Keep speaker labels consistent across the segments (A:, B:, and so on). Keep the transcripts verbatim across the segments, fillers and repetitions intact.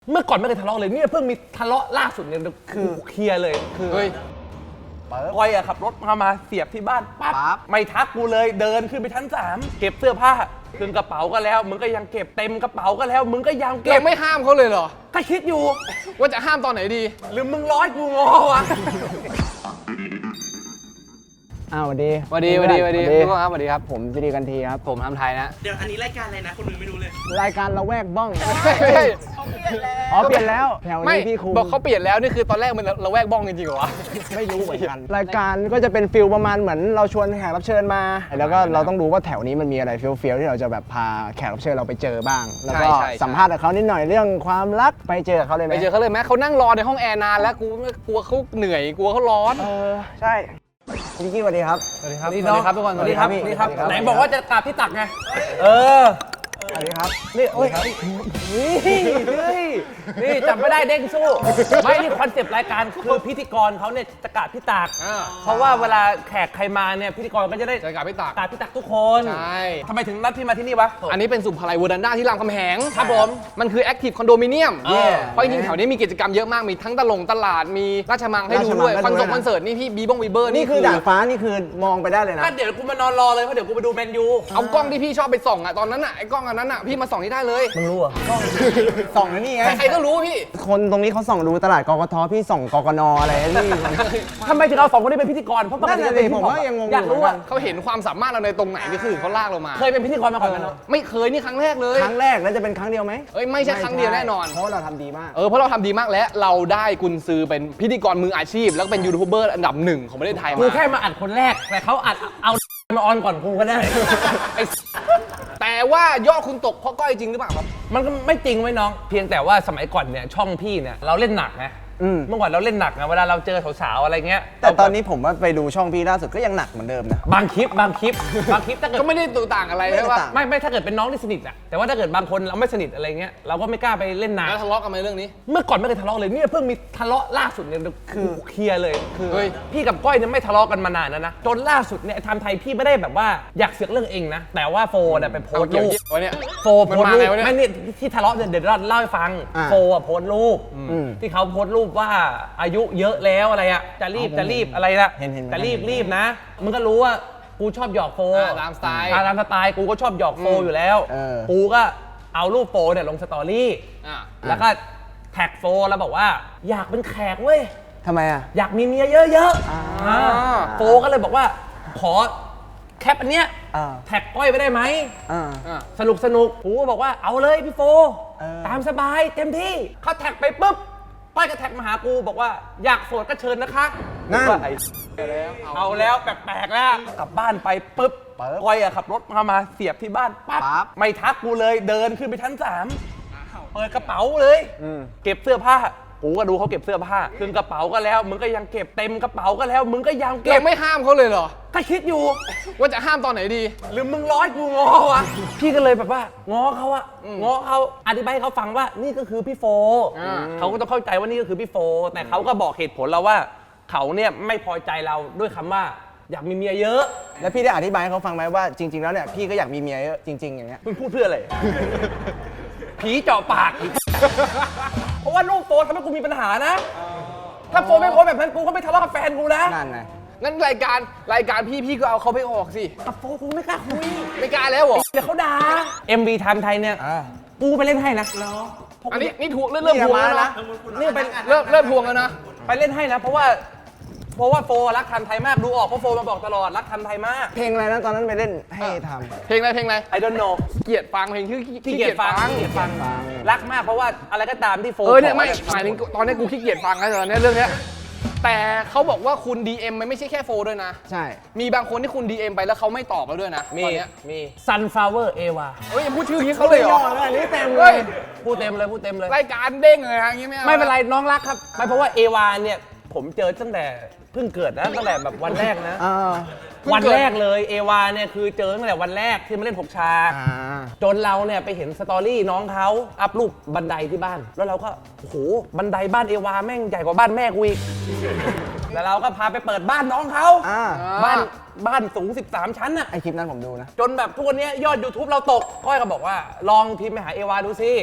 A: เมื่อก่อนไม่เคยทะเลาะเลยเนี่ยเพิ่งมีทะเลาะล่าสุดเนี่ยคือเคลียร์เลยคือ
B: เฮ้ย
A: พลอยอะขับรถมามาเสียบที่บ้านปั๊บ
B: ปั๊บ
A: ไม่ทักกูเลยเดินขึ้นไปชั้นสามเก็บเสื้อผ้าขึ้นกระเป๋าก็แล้วมึงก็ยังเก็บเต็มกระเป๋าก็แล้วมึงก็ยังเก็
B: เรา
A: บ
B: ไม่ห้ามเขาเลยเหรอ
A: ก็คิดอยู่
B: ว่าจะห้ามตอนไหนดี
A: หรือมึงร้อยกูงอวะ
C: อ้าวสวัสดี
B: สวัสดีสวัสดีสวัสดีทุกคนครับสวัสดีครับ
C: ผมสิริกันทีครับ
B: ผมทำไทยนะ
D: เดี๋ยวอันนี้รายการอะไรนะ คนอื่นไม่รู้เลย
C: รายการละแวกบ้อง
B: ไม่ใช่
C: อ๋อเปลี่ยนแล้วแถว
B: ไม่
C: นี้พี่ครู
B: บอกเขาเปลี่ยนแล้วนี่คือตอนแรกมันระแวกบ้องจริงๆเหรอวะ
C: ไม่รู้เหมือนกัน รายการก็จะเป็นฟิลประมาณเหมือนเราชวนแขกรับเชิญมา แล้วก็เราต้องรู้ว่าแถวนี้มันมีอะไรเฟี้ยวๆที่เราจะแบบพาแขกรับเชิญเราไปเจอบ้าง แล้วก็
B: ใช่ใช่
C: สัมภาษณ์กับเขานิดหน่อยเรื่องความรักไปเจอเขาเลยไหม
B: ไปเจอเขาเลยไหมเขานั่งรอในห้องแอร์นานแล้วกูกลัวเขาเหนื่อยกลัวเขาร้อน
C: เออใช่พี่กี้สวัสดีครับ
B: สวัสดีครับ
A: นี่
B: ส
A: น้
B: วั
A: อง
B: สดีครับทุกคน
A: สวัสดีครับ
C: สวัสดี
A: นี่
C: ครับ
A: ครับไหนบอกว่าจะกราบที่ตักไงเออ
C: สวัสดีครับ
A: นี่โอ้ยนี่นี่นี่จำไม่ได้เด้งสู้ไม่นี่คอนเซปต์รายการคือพิธีกรเขาเนี่ยจะกราบที่ตัก
B: อ่า
A: เพราะว่าเวลาแขกใครมาเนี่ยพิธีกรก็จะได้
B: เจอกับพี่ตัก
A: กราบที่ตักทุกคน
B: ใช่
A: ทำไมถึงนัดพี่มาที่นี่วะ
B: อันนี้เป็นสุภาลัยเวอร์ดันด้าที่รามคำแหง
A: ครับผม
B: มันคือแอคทีฟคอนโดมิเนียม
A: เย่
B: เพราะจริงๆแถวนี้มีกิจกรรมเยอะมากมีทั้งตลงตลาดมีราชมังให้ดูด้วย
C: ราช
B: ค
C: มั
B: อน
C: ง
B: เสิร์ต
C: ด้วยนะ
B: คอนเสิร์ตนี่พี่บีบงบีเบอร์
C: นี่คือด่านฟ้านี่คือมองไปได้เลยนะ
A: ก็เดี๋ยวกูมานอนรอเลยเพราะเดี๋ยวกูไปดูแมนยู
B: เอากล้องที่พี่ชอบไปส่องอะตอนนั้นอะไอ้กล้องอันนั้นอะพี่มาส่องนี่ได้เลย
A: มึงรู้อ่ะ
C: ส่องนะนี่ไง
B: ใครๆก็รู้พี่
C: คนตรงนี้เขาส่องดูตลาดกกทพี่ส่องกกนอะไรนี่
A: ทำไมถึงเอาสองคนนี้เป็นพิธีกรเพราะปก
C: นั่น
A: ติ
C: น่ะ
A: จะเป็น
C: ดิ
A: พิ
C: ผ
A: ธี
C: ม
A: กร
C: ว่ายังงง
A: อยากรู้อ่ะ
B: เขาเห็นความสามารถเราในตรงไหนนี่คือเขาลากเรามา
A: เคยเป็นพิธีกรมาก่อนไหมเนาะ
B: ไม่เคยนี่ครั้งแรกเลย
C: ครั้งแรกแล้วจะเป็นครั้งเดียวไหม
B: เอ้ยไม่ใช่ครั้งเดียวแน่นอน
C: เพราะว่าเราทำดีมาก
B: เออเพราะเราทำดีมากและเราได้กุญซือเป็นพิธีกรมืออาชีพ แล้วก็เป็นยูทูบเบอร์อันดับหนึ่งของประเทศไทย
A: กู
B: มา
A: แค่มาอัดคนแรกแต่เขาอัดเอามาออนก่อนกูก็ได้
B: ไอ้แต่ว่ายอดคุณตกเพราะก้อยจริงหรือเปล่าครับ
A: มันก็ไม่จริงไว้น้อง เพียงแต่ว่าสมัยก่อนเนี่ยช่องพี่เนี่ยเราเล่นหนักนะ
C: อืม
A: เมื่อก่อนเราเล่นหนักนะเวลาเราเจอสาวๆอะไรเงี้ย
C: แต่ตอนนี้ผมว่าไปดูช่องพี่ล่าสุดก็ยังหนักเหมือนเดิมนะ
A: บางคลิปบางคลิปบางคลิปถ้าเกิด
B: ก็ไม่ได้ตัวต่างอะไร
C: ไม่ได้
B: ใช่ปะ
C: ต่าง
A: ไม่ไม่ถ้าเกิดเป็นน้องที่สนิทอะแต่ว่าถ้าเกิดบางคนเราไม่สนิทอะไรเงี้ยเราก็ไม่กล้าไปเล่นหนัก
B: แล้วทะเลาะกันไหมเรื่องนี้
A: เมื่อก่อนไม่เคยทะเลาะเลยเนี่ยเพิ่งมีทะเลาะล่าสุดเนี่ยคือเคลียร์เลยคือ
B: เฮ้ย
A: พี่กับก้อยเนี่ยไม่ทะเลาะกันมานานแล้วนะจนล่าสุดเนี่ยไอ้ไทม์ไทยพี่ไม่ได้แบบว่าอยากเสือกเรื่องเองนะแต่ว่าโฟนเนี่ยไปโพส
B: เอา
A: ต์
B: เกี่ยว
A: รูป
B: เยี่ยวะเนี่ย
A: โฟ
B: มัน
A: โพสต์
B: มา
A: รู
B: ไง
A: ป
B: วะเนี่ย
A: ไม่นี่ที่ทะเลาะเนี่ยเดี๋ยวเราเล่าให้ฟัง
C: อ่า
A: โฟอ่ะโพสต์รูป
C: อืม
A: ที่เขาโพสต์รูปว่าอายุเยอะแล้วอะไรอะจะรีบ
C: อ๋อ
A: จะรีบอะไรละ
C: เห็นเห็น
A: จะรีบ
C: เห็น
A: รีบนะมึงก็รู้ว่ากูชอบหยอกโฟ
B: อ่าตามสไตล์
A: อ่าตามสไตล์กูก็ชอบหยอกโฟอยู่แล้ว
C: เออ
A: กูก็เอารูปโฟเนี่ยลงสตอรี่
B: อ่ะ
A: แล้วก็แท็กโฟแล้วบอกว่าอยากเป็นแขกเว้ย
C: ทำไมอ่ะ
A: อยากมีเมียเยอะๆ
C: อ่า
A: อ่าโฟก็เลยบอกว่าขอแคปอันเนี้ย
C: อ่า
A: แท็กก้อยไปได้ไหม
C: อ่า
B: อ่ะ
A: สนุกสนุกกูก็บอกว่าเอาเลยพี่โฟ
C: เออ
A: ตามสบายเต็มที่เขาแท็กไปปุ๊บก้อยก็แท็กมาหากูบอกว่าอยากโสดก็เชิญนะคะ
C: นั่น
A: ว่าไอ้เอาแล้วแปลกๆแล้วกลับบ้านไปปุ๊บ
C: ปึ๊บ
A: ก้อยอะขับรถมามาเสียบที่บ้านปั๊บ
C: ปั๊บ
A: ไม่ทักกูเลยเดินขึ้นไปชั้นสามเปิดกระเป๋าเลย
C: อืม
A: เก็บเสื้อผ้ากูก็ดูเขาเก็บเสื้อผ้าขึ้นกระเป๋าก็แล้ว มึงก็ยังเก็บเต็มกระเป๋าก็แล้ว มึงก็ยังเก็
B: เรา
A: บ
B: ไม่ห้ามเขาเลยเหรอ
A: ก็คิดอยู่
B: ว่าจะห้ามตอนไหนดี
A: หรือมึงร้อยกูงอวะ พี่ก็เลยแบบว่าง้อเขาอะง้อเขาอธิบายให้เขาฟังว่านี่ก็คือพี่โฟ
B: อ่า
A: เขาก็ต้องเข้าใจว่านี่ก็คือพี่โฟ แต่เขาก็บอกเหตุผลเราว่า เขาเนี่ยไม่พอใจเราด้วยคำว่า อยากมีเมียเยอะ
C: แล้วพี่ได้อธิบายให้เขาฟังไหมว่าจริง ๆ แล้วเนี่ยพี่ก็อยากมีเมียเยอะจริง ๆ อย่างเงี้ย
A: มึงพูดเพื่ออะไร ผีเจาะปาก เพราะว่าลูกโฟทำให้กูมีปัญหานะ ถ้าโฟไม่โพสแบบนั้นกูก็ไม่ทะเลาะกับแฟนกูนะ
C: นั่นไง
B: งั้นรายการรายการพี่พี่ก็เอาเขาไปออกสิ
A: กับโฟกูไม่กล้าคุย
B: ไม่กล้าแล้วเหรอ
A: เดี๋ยวเขาด่า เอ็ม วี ไทม์ไทยเนี่ย
C: อ่า
A: กูไปเล่นให้นะ
B: อันนี้นี่ทวงเริ่มเริ่มทวงแล้วนะ
A: นี่เป็น
B: เริ่มเริ่มทวงแล้วนะ
A: ไปเล่นให้นะ เพราะว่า เพราะว่าโฟรักไทม์ไทยมาก ดูออกเพราะโฟมาบอกตลอดรักไทม์ไทยมาก
C: เพลงอะไรนะตอนนั้นไปเล่นให้ท
B: เพลงอะไรเพลงอะไร
A: I don't know
B: เกลียดฟังเพลงชื่อ
A: ขี้เกียจฟังขี้เกียจฟัง
C: ฟัง
A: รักมากเพราะว่าอะไรก็ตามที่โฟ
B: เออเนี่ยไม่
A: ข
B: หมายถึงตอนนี้กูขี้เกียจฟังแล้วตอนนี้เรื่องเนี้ยแต่เขาบอกว่าคุณ ดี เอ็ม มันไม่ใช่แค่โฟด้วยนะ
C: ำใช่
B: มีบางคนที่คุณ ดี เอ็ม ไปแล้วเขาไม่ตอบแล้วด้วยนะ
A: มี
B: ตอนเนี้ย
A: มี Sunflower Eva
B: เฮ้ยอย่าพูดชื่ออย่างนี้เขาเลยเหรอ
C: อันนี้เต็มเล
B: เฮ้
C: ย
B: ย
A: พูดเต็มเลยพูดเต็มเลย
B: รายการเด้งเลยฮะอย่างงี้ไม่เอา
A: ไม่เป็นไรน้องรักครับ ไม่เพราะว่าเอวาเนี่ย ผมเจอตั้งแต่เพิ่งเกิดนะตั้งแต่แบบวันแรกนะ
C: อ่า
A: วันแรกเลยเอวาเนี่ยคือเจอตั้งแต่วันแรกที่มาเล่นหกฉาก
C: อ่า
A: จนเราเนี่ยไปเห็นสตอรี่น้องเขาอัพรูปบันไดที่บ้าน แล้วเราก็โอ้โหบันไดบ้านเอวาแม่งใหญ่กว่าบ้านแม่กูอีกแล้วเราก็พาไปเปิดบ้านน้องเขา
C: อ่า
A: บ้านบ้านสูงสิบสามชั้นน่ะ
C: ไอคลิปนั้นผมดูนะ
A: จนแบบทุกวันนี้ยอด YouTube เราตกก้อยก็บอกว่าลองพิมพ์ไปหาเอวาดูสิ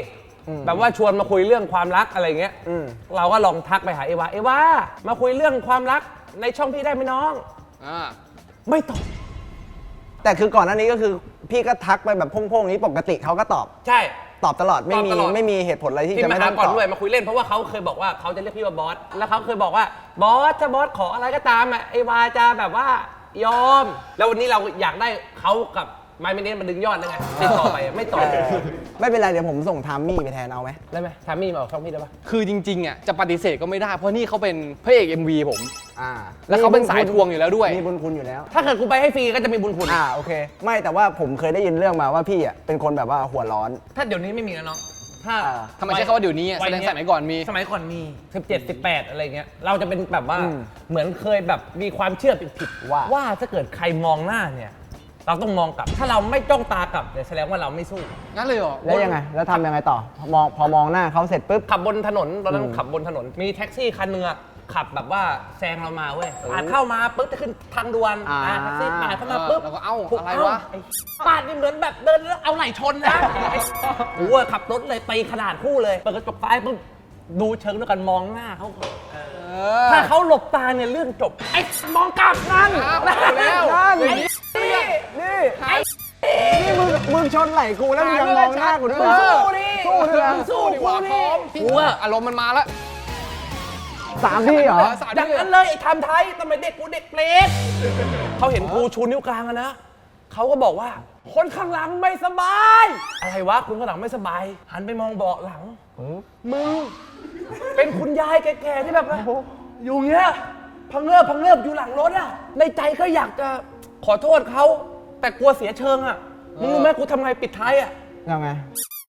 C: อืม
A: แบบว่าชวนมาคุยเรื่องความรักอะไรเงี้ย
C: อืม
A: เราก็ลองทักไปหาเอวาเอวามาคุยเรื่องความรักในช่องพี่ได้ไหมน้อง
B: อ่า
A: ไม่ตอบ
C: แต่คือก่อนหน้านี้ก็คือพี่ก็ทักไปแบบโพ่งๆนี้ปกติเขาก็ตอบ
A: ใช่
C: ตอบตลอดไม่มี
A: ตอบตลอด
C: ไม่มีเหตุผลอะไรที่
A: ที่
C: จะ
A: มา
C: ไม่
A: หา
C: ต้อง
A: ก่อน
C: ตอบ
A: ด้วยมาคุยเล่นเพราะว่าเขาเคยบอกว่าเขาจะเรียกพี่ว่าบอสแล้วเขาเคยบอกว่าบอสถ้าบอสขออะไรก็ตามอ่ะเอวาจะแบบว่ายอม แล้ววันนี้เราอยากได้เขากับไมเมเนสมาดึงยอดได้ไงติดต่อไปไม่ตอบ
C: เออไม่เป็นไรเดี๋ยวผมส่งทามมี่ไปแทนเอาไหม
A: ได้ไหมทามี่มาออกช่องพี่ได้ปะ
B: คือจริงๆอ่ะจะปฏิเสธก็ไม่ได้เพราะนี่เขาเป็นพระเอก เอ็ม วี ผม
C: อ่า
B: แล้วเขาเป็นสายทวงอยู่แล้วด้วย
C: มีบุญคุณอยู่แล้ว
A: ถ้าเกิดกูไปให้ฟรีก็จะมีบุญคุณ
C: อ่าโอเค ไม่แต่ว่าผมเคยได้ยินเรื่องมาว่าพี่อ่ะเป็นคนแบบว่าหัวร้อน
A: ถ้าเดี๋ยวนี้ไม่มีแล้วน้องถ้า
C: อ่า
B: ทำไมใช้คำว่าเดี๋ยวนี้อะแสดงสมัยก่อนมี
A: สมัยก่อนมีสิบเจ็ด สิบแปดอะไรเงี้ยเราจะเป็นแบบว่า
C: อืม
A: เหมือนเคยแบบมีความเชื่อผิดๆ
C: ว่า
A: ว่าถ้าเกิดใครมองหน้าเนี่ยเราต้องมองกลับ ถ้าเราไม่จ้องตากลับเนี่ยแสดงว่าเราไม่สู้
B: งั้นเลยเหรอ
C: แล้วยังไง แล้วทำยังไงต่อพอมองพอมองหน้าเขาเสร็จปุ๊บ
A: ขับบนถนนตอนนั้น
C: อืม
A: ขับบนถนน มีแท็กซี่คันหนึงอะขับแบบว่าแซงเรามาเว้ยปาดเข้ามาปุ๊บจะขึ้นทางด่วน
C: อ่า
A: อ่าแท็กซี่ปาดเข้ามาปุ๊บ
B: เออแล้วก็เอ้า
A: ถูก
B: อะไรวะ
A: เาปาดนี่เหมือนแบบเดินแล้วเอาไหล่ชนนะโอ้โหขับรถเลยตีขนาดคู่เลยเปิดกระจกซ้ายปุ๊บดูเชิงด้วยกันมองหน้าเขาก่อนถ้าเขาหลบตาเนี่ยเรื่องจบไอ้มองกลับนั่น
B: อ้าวเอาแล้ว
C: นั่น
B: อย่างนี้
C: นี่นี่นี่มึงมึงชนไหล่กูแล้วมึงยังมองหน้ากูด้วย
A: มึง
C: นะ
A: สู้ดิ
C: สู้ด้วยนะ
A: มึงสู้
B: ดีกว่าพร้อม
A: กูอะ
B: อารมณ์มันมาแล้ว
C: สามที่เหรอ
B: สาม
A: อ
B: ที่
A: ย่างนั้นเลยไอ้ทำไทยทำไมเด็กกูเด็กเปรตเขาเห็นกูชูนิ้วกลางอะนะเขาก็บอกว่า คนข้างหลังไม่สบาย อะไรวะคนข้างหลังไม่สบาย หันไปมองเบาะหลังมึงเป็นคุณยายแก่ๆที่แบบว่าอยู่เงี้ยพังเงิบพังเงิบอยู่หลังรถอะในใจก็อยากจะขอโทษเขาแต่กลัวเสียเชิงอะมึงรู้ไหมกูทำไงปิดท้ายอะ
C: ยังไง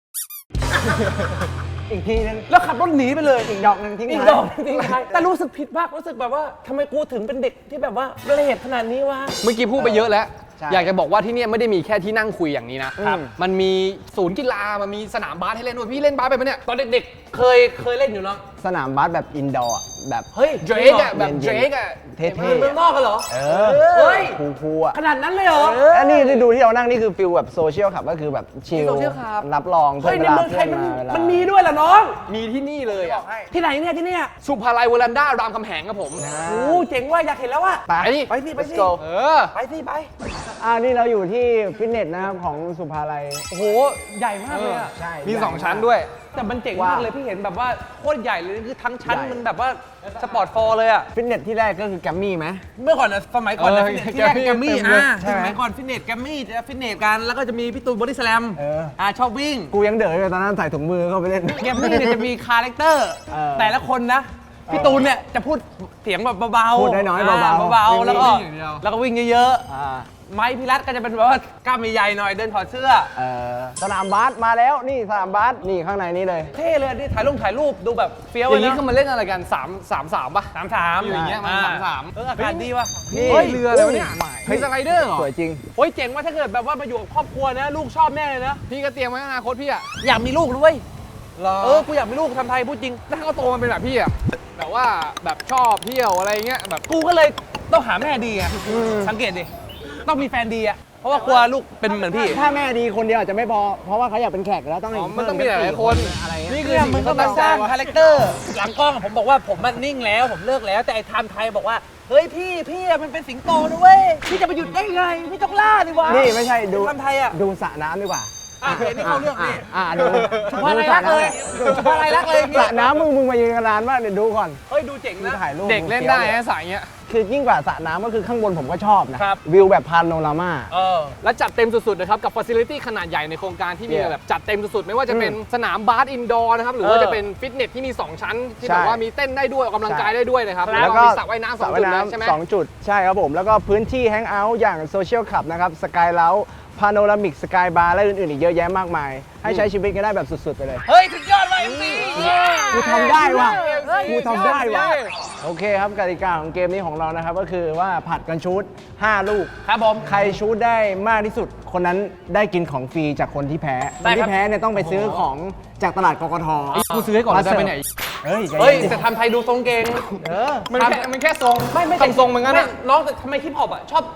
C: อีกทีนึง
A: แล้วขับรถหนีไปเลย
C: อีกดอกหนึ่งทิ้ง
A: อีก
C: ท้าย
A: ดอกหนึ่งทิ้งท้ายแต่รู้สึกผิดมากรู้สึกแบบว่าทำไมกูถึงเป็นเด็กที่แบบว่าละเอียดขนาดนี้วะ
B: เมื่อกี้พูดไปเยอะแล้ว
C: ใช่
B: อยากจะบอกว่าที่เนี่ยไม่ได้มีแค่ที่นั่งคุยอย่างนี้นะ
C: ครับ
B: มันมีศูนย์กีฬา มันมีสนามบาสให้เล่นด้วย พี่เล่นบาสไปปะเนี่ย
A: ตอนเด็กๆ เคยเคยเล่นอยู่เนาะ
C: สนามบาสแบบอินดอร์อะแบบ
A: เฮ้ย
B: เดรกอะแบบ
C: เย็
B: เด
C: น
B: ร
C: ๆ
B: กอะ
C: เท่
A: เมืองนอกกันเหรอ
C: ๆเออ
A: เฮ้ย
C: คูลๆอ่ะ
A: ขนาดนั้นเลยเหรอ
C: อันนี้ที่ดูที่เรานั่งนี่คือฟิลแบบโซเชียลขับก็คือแบบชิล
B: โซเชียลขับ
C: รับรอง
A: เฮ้ยใน
C: วลา
A: เมืองไทยมัน
C: เวลา
A: มันมีด้วยเหรอน้อง
B: มีที่นี่เลยอะ
A: ที่ไหนเนี่ยที่เนี่ย
B: สุภาลัยเวลันด้ารามคำแหงครับผม
C: อ่า
A: โอ้เจ๋งว่ะอยากเห็นแล้วว่ะ
C: ไป
B: ไปดิ
A: ไปสิไปสิ
C: Let's go
B: เออ
A: ไปสิไป
C: อ่านี่เราอยู่ที่ฟิตเนสนะครับของสุภาลัย
A: โอ้โหใหญ่มากเลยอะ
C: ใช่
B: มีสองชั้นด้วย
A: แต่มันเจ๋ง
C: ว่า
A: มากเลยพี่เห็นแบบว่าโคตรใหญ่เลยคือทั้งชั้น
C: ใหญ่
A: มันแบบว่าสปอร์ตฟอร์เลยอะ
C: ฟิตเนสที่แรกก็คือแกรมมี่ไหม
A: เมื่อก่อนนะสมัยก่อนนะ
B: เออ
A: ฟิตเนสที่แรก
B: แก
A: แก
B: ร
A: ม
B: ม
A: มี่
B: มี่เต็มเลย
A: อ่ะ
C: ใช่ไหม
A: สมัยก่อนฟิตเนสแกมมี่จะฟิตเนสกันแล้วก็จะมีพี่ตูนบอดี้สแลม
C: เออ
A: อ่าชอบวิ่ง
C: กูยังเด๋ออยู่ตอนนั้นใส่ถุงมือเข้าไปเล่น
A: แกมมี่เนี่ยจะมีคาแรคเตอร์
C: เออ
A: แต่ละคนนะ พี่ตูนเนี่ยจะพูดเสียงแบบเบาๆ
C: พูดน้อยๆเบาๆ
A: อ่เบาๆแล้วก็
B: วิ่งอย่างเดียว
A: แล้วก็วิ่งเยอะ
C: อ่า
A: ๆ ไม้พิรัตก็จะเป็นแบบว่ากล้ามใหญ่ๆหน่อยเดินถอดเสื้อ
C: เออสนามบาสมาแล้วนี่สนามบาสนี่ข้างในนี้เลย
A: เท่เลยนี่ถ่ายลงถ่ายรูปดูแบบเฟี้ยว
B: อ
A: เลย
B: ย่างนี้
A: นะ
B: คือมันเล่นอะไรกัน3 3 3ป่ะ
A: สามสาม
B: อยู่อย่างเงี้ยมันสามสาม
A: เอออากาศดีว่ะ
C: นี่
B: เฮ้ยเรือเลยวะเนี่ย
C: ใหม่
B: มีสไลเดอร์เหรอ
C: สวยจริง
A: โอ้ยเจ๋งว่าถ้าเกิดแบบว่ามาอยู่กับครอบครัวนะ ลูกชอบแน่เลยนะ
B: พี่ก็เตรียมไว้อนาคตพี่อะ
A: อยากมีลูกด้วย
B: เหรอ
A: เออกูอยากมีลูกทำไทยพูดจริง
B: ถ้าเขาโตมาเป็นแบบพี่อะแบบว่าแบบชอบเที่ยวอะไรเงี้ยแบบ
A: กูก็เลยต้องหาแม่ดีอ่ะสังเกตดิต้องมีแฟนดีอ่ะเพราะว่ากลัวลูกเป็นเหมือนพี่
C: ถ้าแม่ดีคนเดียวอาจจะไม่พอ เพราะว่าเขาอยากเป็นแขกแล้วต้อง
B: อ๋อ
C: ให้
B: มันต้องมีหลายๆคน
C: อะไรเงี้ย
B: นี่คือ
A: เนี่ย
B: สิ่ง
A: มึง
B: ที่
A: ก็
B: เขา
A: มา
B: ตั้ง
A: ส
B: ใจ
A: ร้าง
B: ว่า
A: คาแรคเตอร์หลังกล้องผมบอกว่าผมมันนิ่งแล้วผมเลิกแล้วแต่ไอ้ไทม์ไทยบอกว่าเฮ้ยพี่พี่อะมันเป็นสิงโตนะเว้ยพี่จะไปหยุดได้ไงพี่ต้องล่าดิวะ
C: นี่ไม่ใช่ดู
A: ไทม์ไทยอ่ะ
C: ดูสระน้ำดีกว่า
A: อ่ะเห็นนี่เข้าเรื่องนี่
C: อ่าดู
A: สุภาลัยรักเลยสุภาลัยรักเลยอย่าง
C: ส
A: เงี้
C: ระ
A: ย
C: น้ำมึงมึงมายืนกันนานมากเดี๋ยวดูก่อน
A: เฮ้ยดูเจ๋ง
C: ดู
A: นะ
C: ถ่ายรูป
B: เด็กเล่นได้นะสายเงี้ย
C: คือยิ่งกว่าสระน้ำก็คือข้างบนผมก็ชอบนะครับ วิวแบบพาโนรามา
A: เออ
B: และจัดเต็มสุดๆนะครับกับฟัซิลิตี้ขนาดใหญ่ในโครงการที่มี
C: Yeah
B: แบบจัดเต็มสุดๆไม่ว่าจะเป็น
C: อืม
B: สนามบาสอินดอร์นะครับหรือว่า
A: เออ
B: จะเป็นฟิตเนสที่มี 2 ชั้น ที่
C: ใช่
B: แบบว่ามีเต้นได้ด้วยออกกำลังกาย
C: ใช่
B: ได้ด้วยนะครับ
A: ครับ
B: แล้วก็มีสระว่ายน้ำส
C: ส
B: อง
C: ระ
B: จุ
C: ว่าย
B: ดเลย
C: น้ำ
B: ใช่ไหม
C: สองจุดใช่ครับผม แล้วก็พื้นที่แฮงเอาท์อย่างโซเชียลคลับนะครับสกายเล้าพาโนรามิกสกายบาร์และอื่นๆอีกเยอะแยะมากมาย ให้ใช้ชีวิตกันได้แบบสุดๆไปเลย
A: เฮ้ยสุดยอดว่ะเอ็มซี
C: กูทำได้ว่ะ
B: เฮ้ย
C: กูทำได้ว่ะ
B: เฮ้ย
C: โอเคครับกติกาของเกมนี้ของเรานะครับ ก็คือว่าผัดกันชูดห้าลูก
A: ครับผม
C: ใครชูดได้มากที่สุด คนนั้นได้กินของฟรีจากคนที่แพ้ค
A: ได้
C: น
A: ครับ
C: ที่แพ้เนี่ยต้องไปซื้อของจากตลาดกกท
B: กูซื้อให้ก่อน
C: มา
B: จะไปไหน
C: เฮ้ยใจ
A: เฮ้ย
C: เย็น
A: แต่ทำไทยดูทรงเก่ง
C: เออ
B: มันแค่มันแค่ทรง
A: ไม่ไม่
B: ทำทรงเหมือนกัน
A: ไม่
B: อะ
A: น้องแต่ทำไมฮิปฮอปอ่ะชอบ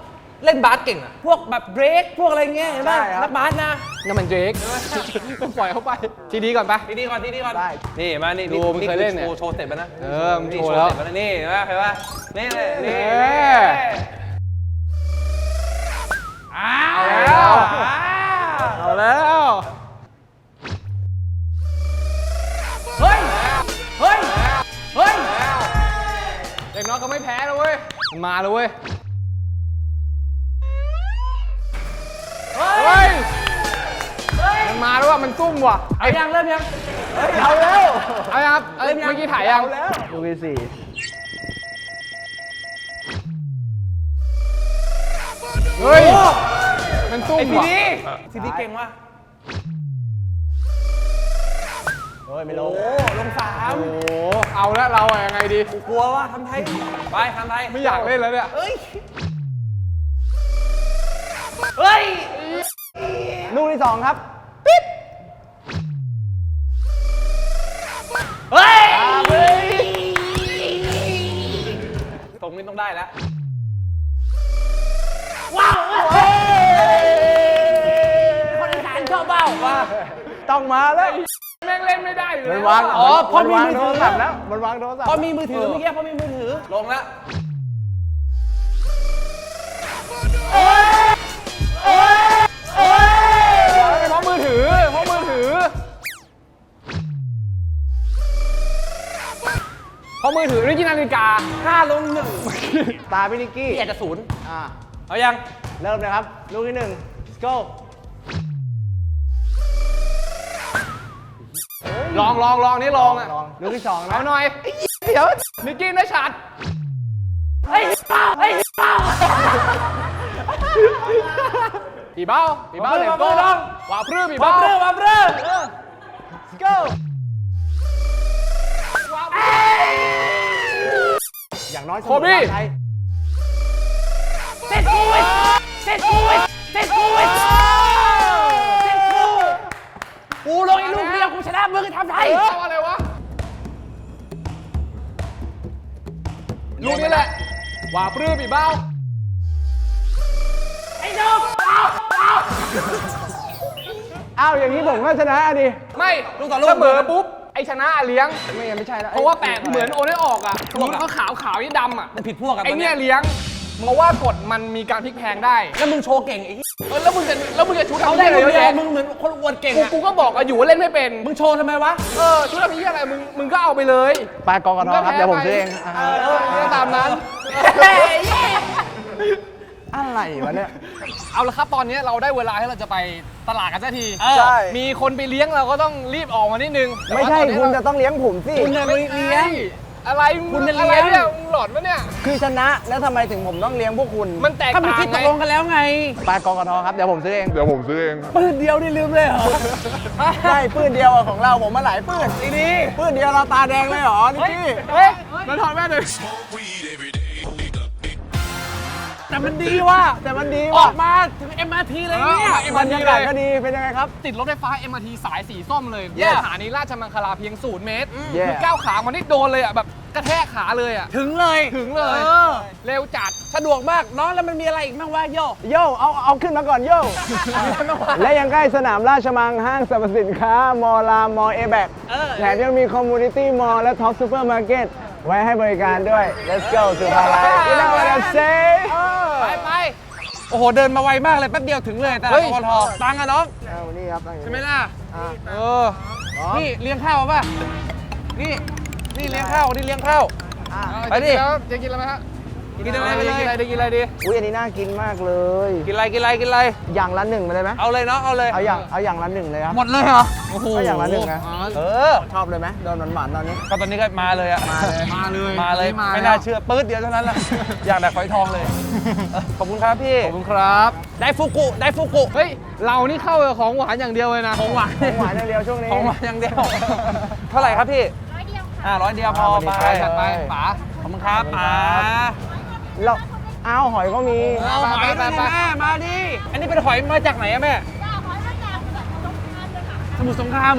A: เล่นบาสเก่งอะพวกแบบเบรกพวกอะไรเงี้ยเห็นป่ะ
C: ใช่ครับ
A: นักบาสนะ
B: นั่นมันเดรกต้องปล่อยเข้าไป ทีดีก่อนไป
A: ทีดีก่อนทีดีก่อน
C: ได้
A: นี่มานี่
B: ดูมึงเคยเล่นเนี่ย
A: โชว์โชว์สเต็ปไปนะ
B: เออมึง
A: นี่
B: โชว์แล้ว
A: สเต็ปไปนะนี่เห็นป่ะเห็นป่ะนี่เลยนี่
B: เออ
A: อ้า
B: เอาแล้ว
A: ว
B: เอาแล้ว
A: เฮ้ยเฮ้ยเฮ้ย
B: เด็กน้อยเขาไม่แพ้แล้วเว้ยมันมาแล้วเว้ย
A: เฮ้ย
B: เฮ้ยมันมาแล้วว่ะมันซุ่มว่ะ
A: เอายังเริ่มยัง
C: เอาแล้ว
B: เอายังครับเอ้ยเมื่อกี้ถ่ายยัง
C: เอาแล้วลูกที่สี่
B: เฮ้ยมันซุ่ม
A: ไอ้ที
B: ว่ะ
A: ดีทีดีเก่งว่ะ
C: เฮ้ยไม่ล
A: โอ้
C: ง
A: ลงสาม
B: โอ้โหเอาแล้วเราอะยังไงดี
A: กลัวว่าทำไทยไปทำไทย
B: ไม่อยากเล่นแล้วเนี่ย
A: เฮ้ยเฮ้ย
C: ลูกที่สองครับ
A: เฮ้ยตรงนี้ต้องได้แล้วว้าวเฮ้ยคนอีสานชอบเบ้าว่า
C: ต้องมาแล้ว
B: แม่งเล่นไม่ได้อยู่
C: มั
B: แล้
C: น
B: ว
C: วาง
A: อ๋อเพราะมี
C: นวาง
A: มือ
C: โท
A: ถื
C: ร
A: อ
C: ศัพท์แล้วมันวางโทรศัพท์
A: พอมีมือถือเมื่อกี้พอมีมือถือลงแล้ว
B: เพราะมือถือเพราะมือถือเพราะมือถือนี่กินนาฬิกา
A: ห้าลงหนึ่ง
C: ตาพี่นิกกี้
A: พี่อาจจะศูนย์
C: อ่า
A: เอายัง
C: เริ่มเลยครับ ลูกที่หนึ่ง let's go
B: ลองลองลองนี่ลองอ่ะ
C: ลองลูกที่สองนะ
B: เอาหน่อยเดี๋ยวนิกกี้ได้ชัด
A: เฮ้ยเป้าเฮ้ยเป้า
B: ปีเบ้าปีเบ้า
A: มา
B: เลย
A: มา
B: โก้
A: มาลอง
B: ว่าพรื้ปี
A: มา
B: เบ้า
A: เริ่มมาเริ่ม
C: let's go อย่างน้อยเสมอบ้านไทย
A: เซ็ตกูวิทเซ็ตกูวิทเซ็ตกูวิทเซ็ตกูกูลงอีกลูกเดียวกูชนะมึงทำไทย
B: เอออะไรวะลูกนี้แหละว่าพรื้ปีเบ้า
A: ไอ้น้องเอาเอา
C: อ้าวอย่างนี้ผมก็ชนะดิ
B: ไม่
A: ลูกต่อลูก
B: เสมอปุ๊บไอชนะเลี้ยง
C: ไม่ยังไม่ใช่แล้ว
B: เพราะว่าแปะเหมือนโอนได้ออกอ่ะลูกเขาขาวขาวนี่ดำอ่ะ
A: มันผิดพวกกัน
B: ไอเนี่ยเลี้ยงเพราะว่ากฎมันมีการพลิกแพลงได้
A: แล้วมึงโชว์เก่งไอ้
B: เออแล้วมึงจะแล้วมึงจะชุด
A: เขา
B: ทำ
A: ได้
B: ได้
A: เล
B: เลย ย
A: เย
B: เย
A: อะ
B: อะ
A: มึ
B: แยะ
A: งเหมือนคนอวดเก่ง
B: กู
A: อะ
B: กูก็บอกอะอยู่ว่าเล่นไม่เป็น
A: มึงโชว์ทำไมวะ
B: เออชุดทำนี้อะไรมึงมึงก็เอาไปเลย
C: ปลากอกระทอครับ เดี๋ยวผมซื้อเองอ่า
B: เออก็ตามนั้น
C: อะไรวะเนี่ย
B: เอาละครับตอนนี้เราได้เวลาให้เราจะไปตลาดกันสักที
C: ใช่
B: มีคนไปเลี้ยงเราก็ต้องรีบออกมานิดนึง
C: ไม่ใช่
B: แต่ว่าตอนนี้
C: คุณจะต้องเลี้ยงผมสิ
A: คุณเนี่ยไม่เลี้ยง
B: อะไร
A: คุณจะ
B: อะไร
A: เลี้ยง
B: เนี่ยมึงหลอนปะเนี่ย
C: คือชนะแล้วทำไมถึงผมต้องเลี้ยงพวกคุณ
B: มันแตก
A: ถ้ามัน
B: ต่าง
A: คิดต
B: ไง
A: กลงกันแล้วไง
C: ปลากอกระทอครับ เดี๋ยวผมซื้อเอง
E: เดี๋ยวผมซื้อเอง
A: ปืนเดียวนี่ลืมเลยเหรอ
C: ใช่ปืนเดียวอะของเราผมมาหลายปืน
A: ดีดี
C: ปืนเดียวเราตาแดงเลยเหรอนิกกี้
B: เฮ้ยมันถอดแม่เลย
A: แต่มันดีว่ะ
C: แต่มันดี
A: อ
C: ว่ะ
A: อกมาถึง เอ็ม อาร์ ที เลยเนี่ย
B: เอ็ม
C: บร
B: อาร์
C: ร
B: ที
C: ยา
B: เล
C: กาศ
B: ย
C: ก็ดีเป็นยังไงครับ
B: ติดรถไฟฟ้า เอ็ม อาร์ ที สายสีส้มเลย
C: Yes
B: สถานีราชมังคลาเพียงศูนย์เมตร
C: Yes
B: คือก้าวขามันนี่โดนเลยอ่ะแบบกระแทกขาเลยอ่ะ
A: ถึงเลย
B: ถึงเลย
A: ออ
B: เร็วจัด
A: สะดวกมากน้องแล้วมันมีอะไรอีกบ้างวะโย
C: โย่เอาเอาขึ้นมาก่อนโย่ และยังใกล้สนามราชมังห้างสรรพสินค้ามอลามมอเอแบก
A: เออ
C: แถมยังมีคอมมูนิตี้มอลและท็อปซูเปอร์มาร์เก็ตไว้ให้บริการด้วย let's go สุภาลัย you know what I'm saying
B: ไปไป
A: โอ้โห เดินมาไวมากเลยแป๊บเดียวถึงเลยแต่
B: เฮ้
A: ละ
B: ย
A: กทตังค์อะน้อง
C: เอานี่ครับตั้งอยู่
A: ใช่ไหมล่ะ
C: อ่ะ
B: เออ
A: นี่เลี้ยงข้าวป่ะ นี่ นี่เลี้ยงข้าว นี่เลี้ยงข้าว
C: อ่ะ
A: ไปดิ
B: แล้วจะกินอะไรไหมฮะ
A: กินอะไรไปเลย
B: กินอะไรดีกินอะไรดี
C: อุ้ยอันนี้น่ากินมากเลย
A: กินอะไร กินอะไร กินอะไร
C: อย่างละหนึ่งไปเลยไหม
A: เอาเลยน้อง เอาเลย
C: เอาอย่างเอาอย่างละหนึ่งเลยครับ
A: หมดเลยเหรอ
B: โอ้โห
C: เอาอย่างละหนึ่งนะ
A: เออ
C: ชอบเลยไหมโดนหวานๆตอนนี้
A: ก็ตอนนี้ก็มาเลยอะ
C: มาเลย
B: มาเลย
A: มาเลย
B: มา
A: ไม่
B: แล้ว
A: น่าเชื่อปื๊ดเดียวเท่านั้นแหละ อย่างแต่ฝอยทองเลยเออขอบคุณครับพี่
B: ขอบคุณครับ
A: ได้ฟุกุ ได้ฟุกุ
B: เฮ้ย เรานี่เข้ากับของหวานอย่างเดียวเลยนะ
A: ของหวาน
C: ของหวานอย่างเดียวช่วงนี้
A: ของหวานอย่างเดียว เท่าไหร่ครับพี่ ร้อยเดียวค่ะอ่าร้อยเดียวพอ
C: อ่า
A: ไป
C: วันนี้
B: จัดไป
C: ใช่
B: ป๋า
A: ขอบคุณครับป๋า
C: แล้วอ้าวหอยก็มี
A: เอาหอยมาดิแม่มาดิ อันนี้เป็นหอยมาจากไหนอะแม่
F: จ้าหอยมาจากสมุทรสงครามเลยค่ะ
A: สมุทรสงครามเหรอ
F: ค่ะ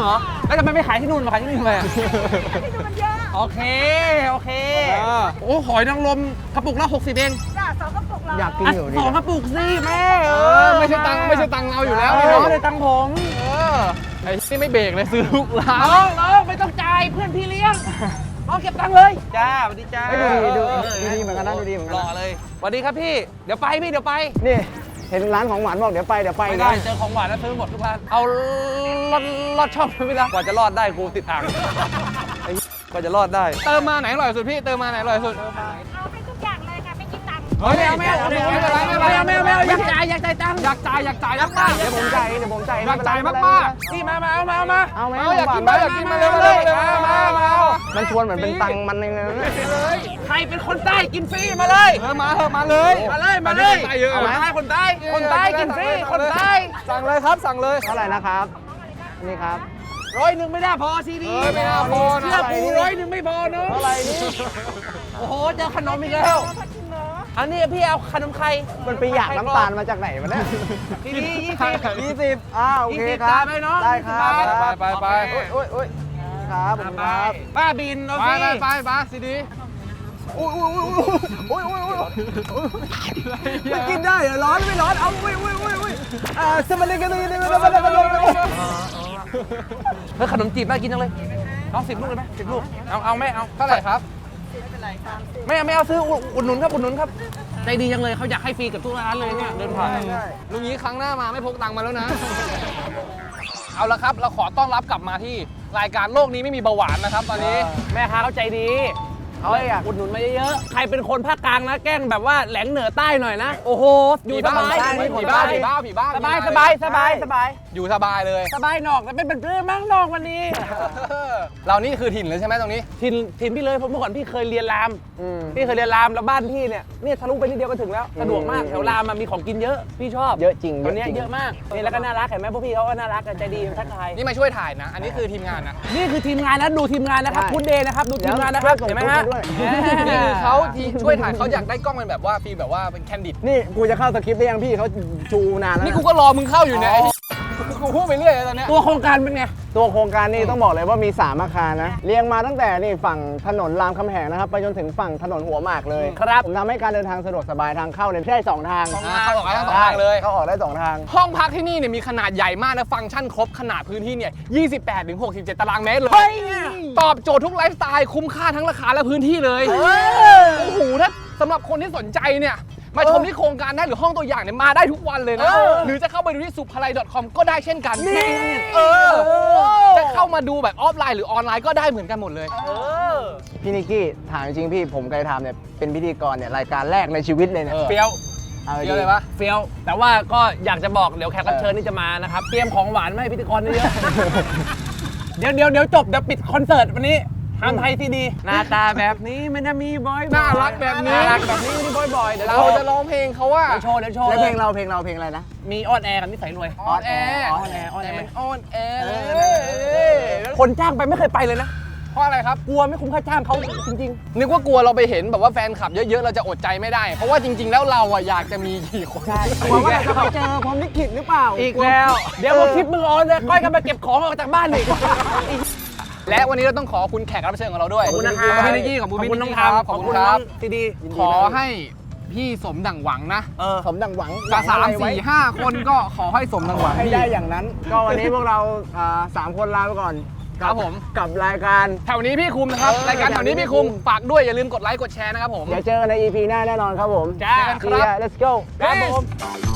A: แล้วทำไมไม่ขายที่นู่นมาขายที่นี่ทำไมอะ
E: ที่ดูมันเยอะ
A: โอเค โอเค โอ้หอยนางรมกระปุกละหกสิบเอง
E: จ้ะสองกระปุกเหรอ
C: อยากกิน
A: อ่ะ
C: อยู่ดิ
A: สองกระปุกสิแม่
B: เออไม่ใช่ตังค์ไม่ใช่ตังค์เราอยู่แล้ว
A: เอ
B: นี่
A: อ
B: เนาะ
A: ไม่ได้ตังค์ผม
B: เออไอ้นี่ไม่เบรกเลยซื้อลูกร้าน
A: น้องน้องไม่ต้องจ่ายเพื่อนพี่เลี้ยงน้องเก็บตังค์เลยจ้าสวัสดีจ้า
C: เฮ้ยดูดีดูดูดีเหมือนกันนะดูดีเหมือนกัน
A: รอ
C: นะ
A: เลยสวัสดีครับพี่เดี๋ยวไปพี่เดี๋ยวไป
C: นี่เห็นร้านของหวานบอกเดี๋ยวไปเดี๋ยวไป
A: ไม่
C: อีก
A: ได้
C: นะ
A: เจอของหวานแล้วซื้อหมดทุกร้านเอาลอดลอดช่องไม่ได้กว่าจะรอดได้กูติดอ่างไอ้กว่าจะรอดได้
B: เติมมาไหนอร่อยสุดพี่เติมมาไหนอร่อยสุด
E: เอาไปทุกอย่างเลยค่ะไม่คิดตังค์
B: เฮ้ยไม่เอาไม่เอาไม่เอาไม่เอาไม่เอาไม่เอาไม่เอา
A: อยากจ่ายอยากจ่ายตังค์
B: อยากจ่ายอยากจ่ายมากๆ
C: เดี๋ยวผมจ่ายเดี๋ยวผมจ่าย
B: อยากจ่ายมาก
A: นี่มามาเอามาเอามา
C: ๆเอาไหม
B: เอาอยากกิน
C: หว
B: มาน อยากกินมาเร็วเร็วเร็วมามาเอา
C: มันชวนเหมือนเป็นตังค์มันเองนะ
B: เลย
A: ใครเป็นคนใต้กินฟรีมาเลย
B: เออมาเถอะมาเลย
A: มาเลยมาเลย
B: ไปเยอะ
A: คนใต้คนใต้คนใต้กินฟรีคนใต้
B: สั่งเลยครับสั่งเลย
C: เท่าไหร่นะครับนี่ครับ
A: ร้อยหนึ่งไม่ได้พอซีดี
B: เอ้ยไม่น่าพอนะ
A: เชื่อกูร้อยหนึ่งไม่พอเนอะ
C: เท่าไหร่นี่
A: โอ้โหเจอขนมอีกแล้ว
E: พอกินเนาะ
A: อันนี้พี่เอาขนมไข่
C: มันไปอยากน้ำตาลมาจากไหนวะเนี่ย
A: ซีดียี่สิบ
C: ยี่สิบอ้าวโอเค
A: ยี่สิบ
C: ครับ
A: จ่ายไปเนอะ
C: ได้ครับ
A: ยี่สิบบาท
B: ไปไปไป
C: โอ้ยโอ้ยโอ้ยครับผมครับ
A: ป้าบินเอา
B: ไป
A: สิ
B: ไปไปไปซีดี
C: โอ้ยโอ้ยโอ้ยโอ้ยโอ้ยโอ้ยไม่กินได้เหรอร้อนไม่ร้อนเอาโอ้ยโอ้ยโอ้ยโอ้ยอ่าสมัยนี้กันเลยนี่
A: เฮ้ยขนมจีบน่ากินจังเลยน้องสิบลูกเลยไหมสิบลูกเอาเอาไม่เอา
B: เท่าไหร่ครับ
A: ไม่เอาไม่เอาซื้ออุดอุดหนุนครับอุดหนุนครับใจดีจังเลยเขาอยากให้ฟรีกับทุกร้านเลยเนี่ยเดินผ่าน
B: ลุงนี้ครั้งหน้ามาไม่พกตังค์มาแล้วนะ เอาละครับ เราขอต้อนรับกลับมาที่รายการโลกนี้ไม่มีเบาหวานนะครับตอนนี้
A: แม่ค้าเขาใจดีเขาอยากอุดหนุนมาเยอะๆใครเป็นคนภาคกลางนะแกล้งแบบว่าแหลงเหนือใต้หน่อยนะโอ้โหอยู่สบาย
B: ผีบ้าผีบ้าผีบ้า
A: สบายสบายสบายสบาย
B: อยู่สบายเลย
A: สบายนอกแต่เป็นเป็นเรื่องมั่งนอกวันนี้
B: เรานี่คือถิ่นเลยใช่ไหมตรงนี้
A: ถิ่นถิ่นพี่เลยผมเมื่อก่อนพี่เคยเรียนรามพี่เคยเรียนรามแล้วบ้านพี่เนี่ยเนี่ยทะลุไปนิดเดียวก็ถึงแล้วสะดวกมากแถวรามมันมีของกินเยอะพี่ชอบ
C: เยอะจริง
A: ตอนนี้เยอะมากนี่แล้วก็น่ารักเห็นไหมพวกพี่เขาก็น่ารักกันใจดีทักทาย
B: นี่มาช่วยถ่ายนะ อันนี้คือทีมงานนะ
A: นี่คือทีมงานนะดูทีมงานนะครับพุทธเดย์นะครับดูทีมงานนะครับเห็นไหมฮะ
B: นี่คือเขาที่ช่วยถ่ายเขาอยากได้กล้องเป็นแบบว่าฟีลแบบว่าเป็นแคนดิด
C: นี่กูจะเข้าสคริปต์ได้ยังพี่เขาจูนานแล้ว
B: นี่กูก็รอมึงเข้าอยู่เนี่ยไอ้กูพูดไปเรื่อยเลยตอนเนี้ย
A: ตัวโครงการเป็นไง
C: ตัวโครงการนี่ต้องบอกเลยว่ามีสามอาคารนะเรียงมาตั้งแต่นี่ฝั่งถนนรามคำแหงนะครับไปจนถึงฝั่งถนนหัวหมากเลย
A: ครับ
C: ผมทำให้การเดินทางสะดวกสบายทางเข้าเนี่ยได้สองทาง
B: อ่าเข้าออกได้ทั้งสองทางเลย
C: เข้าออกได้สองทาง
B: ห้องพักที่นี่เนี่ยมีขนาดใหญ่มากนะฟังก์ชันครบขนาดพื้นที่เนี่ยยี่สิบแปดถึงหกสิบเจ็ดตารางเมตรเลย ตอบโจทย์ทุกไลฟ์สไตล์คุ้มค่าทั้งราคาและพื้นที่เลยโอ้โหถ้าสำหรับคนที่สนใจเนี่ยมาชมที่โครงการได้หรือห้องตัวอย่างเนี่ยมาได้ทุกวันเลยนะ หรือจะเข้าไปดูที่สุภาลัย .com ก็ได้เช่นกันเออจะเข้ามาดูแบบออฟไลน์หรือออนไลน์ก็ได้เหมือนกันหมดเลย
C: พี่นิกกี้ถามจริงๆพี่ผมเคยทำเนี่ยเป็นพิธีกรเนี่ยรายการแรกในชีวิตเลยเนี่ย
B: เออ
A: เฟี้ยว
C: เอา
B: เย
C: ดี
B: อะเลยวะ
A: เฟี้ยวแต่ว่าก็อยากจะบอกเดี๋ยวแขกรับเชิญนี่จะมานะครับเตรียมของหวานมาให้พิธีกรเยอะๆเดี๋ยวเดี๋ยวเดี๋ยวจบเดี๋ยวปิดคอนเสิร์ตวันนี้ทำไทยซีดีหน้าตาแบบนี้มันจะมีบอย
B: น่ารักแบบนี้
A: น่ารักแบบนี้มีบอยบอยเดี๋ยว
B: เรา
A: เรา
B: จะร้องเพลงเขาว่า
A: เดี๋ยวโชว์เดี๋ยวโชว์
C: แล้วเพลง
A: ย
C: เราเพลงเราเพลงอะไรนะ
A: มีออนแอร์กับนิสัยรวย
B: ออนแอร์
A: ออนแอร์ออนแอร์
B: มันออนแอร์
A: คนจ้างไปไม่เคยไปเลยนะ
B: เพราะอะไรครับ
A: กลัวไม่คุ้มค่าจ้างเขาจริง
B: นึกว่ากลัวเราไปเห็นแบบว่าแฟนคลับเยอะๆ เราจะอดใจไม่ได้ เพราะว่าจริง ๆ แล้วเราอะอยากจะมีกี่คน
C: ใช่กลัวว่าเราจะไปเจอพรหมลิขิตหรือเปล่า
A: ๆ อีกแล้ว เดี๋ยวพอคลิปมึงออนเลยก้อยกันมาเก็บของออกจากบ้านอีก
B: และวันนี้เราต้องขอขอบคุณแขกรับเชิญของเราด้วย
A: ขอบคุณนะครับ
B: ขอบคุณพี่นิกกี้ขอบคุณพี่
A: น้
B: น้
A: อ
B: อง ง
A: ทา
B: ทาม ม
A: ข
B: ข
A: อ
B: อ
A: บบ คุ
B: คุณ ณ
A: น้
B: ค
A: อ
B: รั
A: ง
B: บ
A: ซีดี
B: ขอให้พี่สมดั่งหวังนะ
C: เออสมดังหวัง
B: กับสามสี่ห้าคนก็ขอให้สมดั่งหวัง
C: ให้
B: พี่
C: ได้อย่างนั้น ก็วันนี้พวกเราอ่าสามคนลาไปก่อน
B: ครับผม
C: กับรายการ
B: แถวนี้พี่คุมนะครับ
C: เออ
B: รายการแถวนี้พี่คุม ฝากด้วยอย่าลืมกดไลค์กดแชร์นะครับผม
C: เดี๋ยวเจอกันใน อี พี หน้าแน่นอนครับผม
B: จ้า
C: See ya let's go
B: ครับผม